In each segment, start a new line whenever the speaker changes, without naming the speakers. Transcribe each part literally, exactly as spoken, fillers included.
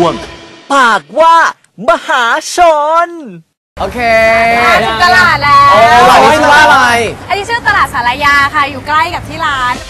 วงปากว่ามหาชน
โอเค
ถึงตลาดแล้ว
อันนี้ชื่อว่าอะไร
อันนี้ชื่อตลาดสารยาค่ะอยู่ใกล้กับที่ร้าน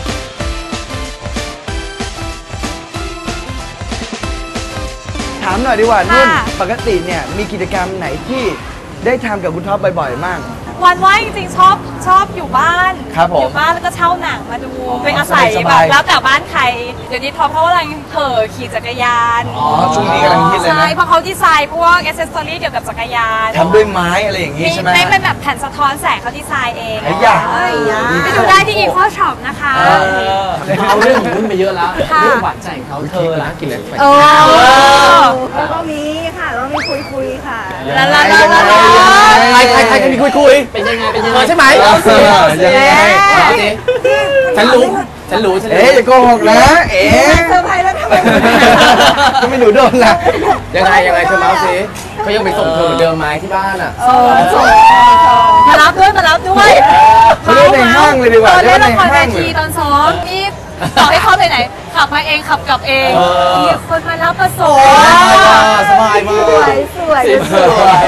ถามหน่อยดีกว่านุ่นปกติเนี่ยมีกิจกรรมไหนที่ได้ทำกับคุณท็อปบ่อยๆมาก
วันว่างจริงๆชอบชอบอยู่บ้านอยู่บ้านแล้วก็เช่าหนังมาดูเป็นอาศัยแบบแล้วแต่บ้านใครเดี๋ยวนี้ท็อปเขากำลังเห่อขี่จักรยาน
อ๋อช่วงนี้กำลังฮิตเลยนะ
ใช่เพราะเขาดีไซน์พวกแอคเซสซอรี่เกี่ยวกับจักรยาน
ทำด้วยไม้อะไรอย่างงี้ใช่ไหม
ไม่เป็นแบบแผ่นสะท้อนแสงเขาดีไซน์เอง
ไอ้ยา
ไปดูได้ที่อีโคช็อปนะคะ
เอาเรื่องของนุ่นไปเยอะแล้วเรื่องหวานใจเขาเธอละกินเลย
แล้วก็มีค่ะแล้วมีคุยคุยค่ะ
แล้วแล้วแล้ว
ใครใครใครจะมีคุยคุยเป็นยังไงเป็นยังไงใช่ไหมฉันรู้ฉันรู้ฉันรู้
เอ๊ะอย่าโกหกนะเอ๊ะ
เซอร์ไพรส์แล้วทำไม
ก็ไม่หนูโดนละ
ยังไงยังไงเธอเล่าสิเขายังไปส่งเธอเหมือนเดิมไหมที่บ้านอ่ะ
มารับด้วยมารับด้วย
เขาเล่นในห้างเลยดีกว่า
เล่นละครเวทีตอนซ้อมนี่ต่อให้เข้าไปไหนขับมาเองขับกลับเองมีคนมารับประสบ
สบายมาก
สวยสวยสวย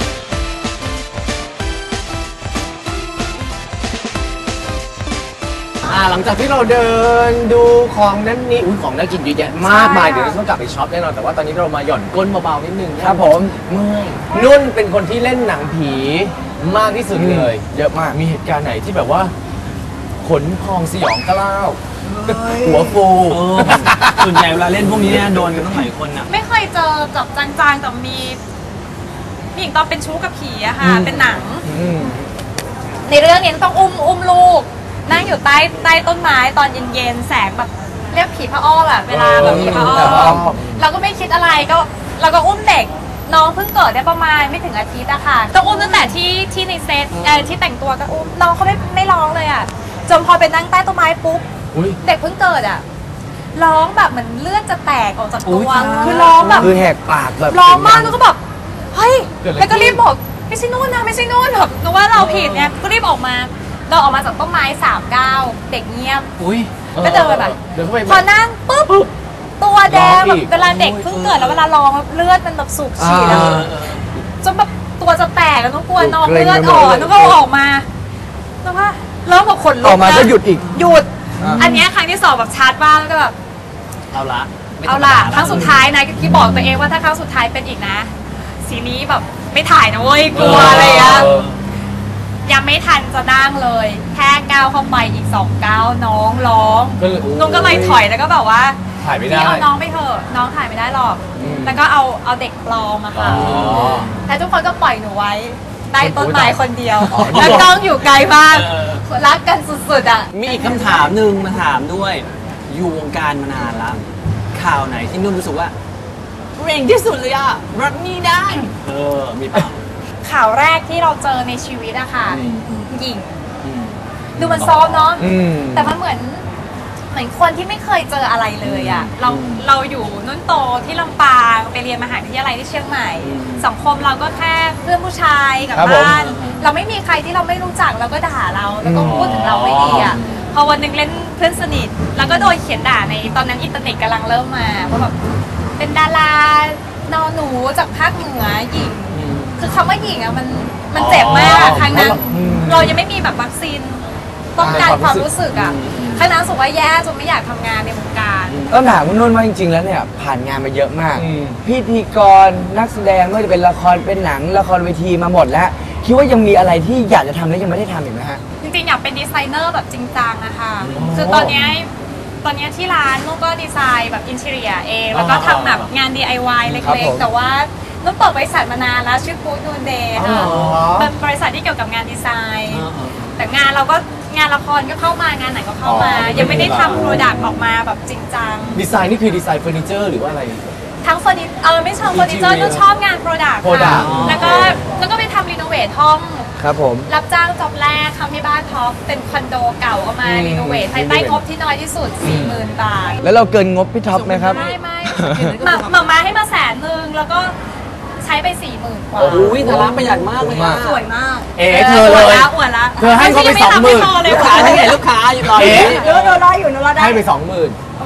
หลังจากที่เราเดินดูของนั้นนี่อุ้ยของน่ากินเยอะแยะมากมายเดี๋ยวเราต้องกลับไปช็อปแน่นอนแต่ว่าตอนนี้เรามาหย่อนก้นเบาๆนิดนึง
ครับผม
เมื่อยนุ่นเป็นคนที่เล่นหนังผีมากที่สุดเลย
เยอะมาก
มีเหตุการณ์ไหนที่แบบว่าขนพองสยองกล้าวหัวฟู
ส่วนใหญ่เวลาเล่นพวกนี้เนี่ยโดนกันต้องหลายคนอ่ะ
ไม่เคยเจอกับจางๆแต่มีผู้หญิงตอนเป็นชู้กับผีอะค่ะเป็นหนังในเรื่องนี้ต้องอุ้มอุ้มลูกนั่งอยู่ใต้ใต้ต้นไม้ตอนเย็นๆแสงแบบเรียกผีพระอ้อมอะเวลาแบบผีพระอ้อมเราก็ไม่คิดอะไรก็เราก็อุ้มเด็กน้องเพิ่งเกิดได้ประมาณไม่ถึงอาทิตย์อะค่ะก็อุ้มตั้งแต่ที่ที่ในเซตที่แต่งตัวก็อุ้มน้องเขาไม่ไม่ร้องเลยอะจนพอไปนั่งใต้ต้นไม้ปุ๊บเด็กเพิ่งเกิดอะร้องแบบเหมือนเลือดจะแตกออกจากตัวคือร้องแบบ
คือแหกปากแบบ
ร้องมากแล้วก็แบบเฮ้ยแล้วก็รีบบอกไม่ใช่นู่นนะไม่ใช่นู่นแบบนึกว่าเราผิดเนี่ยก็รีบออกมาเราออกมาจากต้นไม้สามก้าวเด็กเงียบก็เดินแบบพอนั่งปุ๊บตัวแดงแบบเวลาเด็กเพิ่งเกิดแล้วเวลาร้องเลือดมันแบบสูบฉีดแล้วจนแบบตัวจะแตกแล้วต้องกลัวน้องเลือดออกแล้วก็ออกมาแล้วว่าเริ่มแบบขนลุก
ออกมาก็หยุดอีก
หยุดอันนี้ครั้งที่สองแบบชาร์จบ้างแล้วก็แบบ
เอาละ
เอาละครั้งสุดท้ายนะที่บอกตัวเองว่าถ้าครั้งสุดท้ายเป็นอีกนะซีรีส์แบบไม่ถ่ายนะเว้ยกลัวอะไรอ่ะยังไม่ทันจะนั่งเลยแค่ก้าวเข้าไปอีกสองก้าวน้องร้องน้องก็เลยถอยแล้วก็แบบว่า
ถ่ายไม่ได้
เอาน้องไปเถอะน้องถ่ายไม่ได้หรอกแล้วก็เอาเอาเด็กปลอมอะค่ะแต่ทุกคนก็ปล่อยหนูไว้ใต้ต้นไม้คนเดียวแล้วน้องอยู่ไกลมากรักกันสุดๆอ่ะ
มีอีกคำถามหนึ่งมาถามด้วยอยู่วงการมานานแล้วข่าวไหนที่นุ่นรู้สึกว่าเร่งที่สุดเลยอะรับนี่ได้เออมีเปล่า
ข่าวแรกที่เราเจอในชีวิตอะค่ะหญิงดูมันซอฟเนาะแต่มันเหมือนเหมือนคนที่ไม่เคยเจออะไรเลยอะเราเราอยู่นุ่นโตที่ลำปางไปเรียนมหาวิทยาลัยที่เชียงใหม่สังคมเราก็แค่เพื่อนผู้ชายกับบ้านเราไม่มีใครที่เราไม่รู้จักเราก็ด่าเราแล้วก็พูดถึงเราไม่ดีอะพอวันหนึ่งเล่นเพื่อนสนิทแล้วก็โดนเขียนด่าในตอนนั้นอินเทอร์เน็ตกำลังเริ่มมาว่าแบบเป็นดารานอหนูจากภาคเหนือหญิงคือคำว่าหญิงอะมันมันเจ็บมากครั้งนั้นเรายังไม่มีแบบวัคซีนป้องกันความรู้สึกอะครั้งนั้นรู้สึกว่าแย่จนไม่อยากทำงานในวงการ
ต้องถามคุณนุ่นว่าจริงๆแล้วเนี่ยผ่านงานมาเยอะมากพิธีกรนักแสดงไม่ว่าจะเป็นละครเป็นหนังละครเวทีมาหมดแล้วคิดว่ายังมีอะไรที่อยากจะทำและยังไม่ได้ทำอีกไหมฮะ
จริงๆอยากเป็นดีไซเนอร์แบบจริงจังนะคะคือตอนนี้ตอนนี้ที่ร้านนุ่นก็ดีไซน์แบบอินทีเรียเองแล้วก็ทำแบบงาน ดี ไอ วาย เล็กๆแต่ว่านุ่นเปิดบริษัทมานานแล้วชื่อกู๊ดนูนเดย์ค่ะเป็นบริษัทที่เกี่ยวกับงานดีไซน์แต่งานเราก็งานละครก็เข้ามางานไหนก็เข้ามายังไม่ได้ทำโปรดักต์ออกมาแบบจริงจัง
ดีไซน์นี่คือดีไซน์เฟอร์นิเจอร์หรือว่าอะไร
ทั้งเฟอร์นิเออไม่ชอบเฟอร์นิเจอร์นุ่นชอบงานโปรดักต์ค่ะแล้วก็แล้วก็ไปทำรีโนเวทห้อง
ครับผม
รับจ้างจ็อบแรกทำที่บ้านท็อปเป็นคอนโดเก่าเอามารีโนเวทภายใต้งบที่น้อยที่สุด สี่หมื่น บาท
แล้วเราเกินงบพี่ท็อปไหมครับ
ไม่ไม่มามามาให้มาแสนนึงแล้วก็ใช้ไป สี่หมื่น กว่า
โอ้ยแต่ร้านประหยัดมากเลยอะ
สวยมาก
เอ๋เธอเลย
อวดละ
เธอให้เขาไปสองหมื่น
ลูกค้าที่ไหนลูกค้าอยู่ตอนนี้
หนูรออยู่หนูรอได้
ให้ไปสองหมื่น
โอ้โห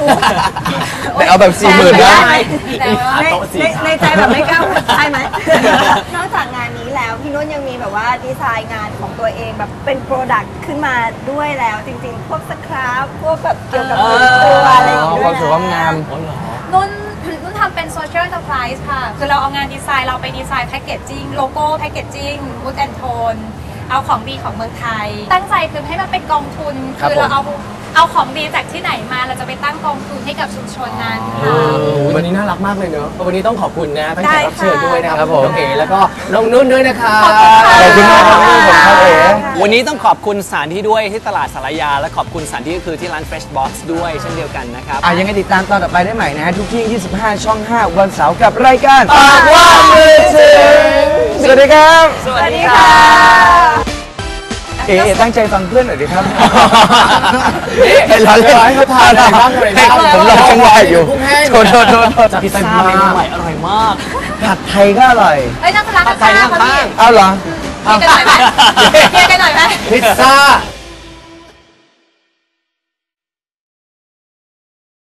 แต่เอาแบบสี่หมื่นนะ
แต่ว่า
ใน
โต๊ะสี่
ใน
ขา
ในใจแบบไม่กล้าใช่ไหม นอกจากงานนี้แล้วพี่นุ่นยังมีแบบว่าดีไซน์งานของตัวเองแบบเป็นโปรดักต์ขึ้นมาด้วยแล้วจริงๆ พวกสครับพวกแบบเกี่ยวกับตัวอะไรอย่าง
อ๋อ
เงี้ย
ความสวยความงาม
นุ่นนุ่นทำเป็นโซเชียล enterprise ค่ะ คือเราเอางานดีไซน์เราไปดีไซน์แพคเกจจิ้งโลโก้แพคเกจจิ้งมูดแอนโทนเอาของดีของเมืองไทย ตั้งใจคือให้มันเป็นกองทุน
ครับ
คือเราเอาเอาของดีจากที่ไหนมาเราจะไปตั้งกองทุนให้กับชุมชนนั้นค่ะ
วันนี้น่ารักมากเลยเนอะวันนี้ต้องขอบคุณนะทั้งแขกรับเชิญ
ได้ค่ะ
ด้วยนะครับ
ครับผม
น้องเอ๋แล้วก็น้องนุ่นด้วยนะครับ
ขอบคุณค่ะ
ขอบคุณมากครับผมครับเอ๋
วันนี้ต้องขอบคุณสถานที่ด้วยที่ตลาดสารยา และขอบคุณสถานที่ก็คือที่ร้าน Fresh Box ด้วยเช่นเดียวกันนะครับ
อ่ะยังไงติดตามตอนต่อไปได้ใหม่นะฮะทุกที่ยี่สิบห้าช่องห้าวันเสาร์กับรายการ
ปากว่ามือถึง
สวัสดีครับ
สวัสดีค่ะ
เอ๋เอ๋ตั้งใจฟังเพื่อนหน่อยดิครับ
นี่
เห็นเราเล่น
ให้เขาทานอะไรบ้างอะไรบ้าง
ผมรอจังหวะอยู่
กุ้งแห้ง
โทษโทษโทษโทษ
จัด
พิซ
เต็ม
ซ่าเมนู
มาก
ใหม่อร่อยมาก
ผัดไทยก็อร่อย
เอ้ยนั่งร้าน
ผัดไท
ข้าย งๆเขา
ข้าง
พี่
ๆ
เอาเหรอ
เคลียร์กันหน่อยไหมเคลียร์กันหน่อยไหม
พิซซ่า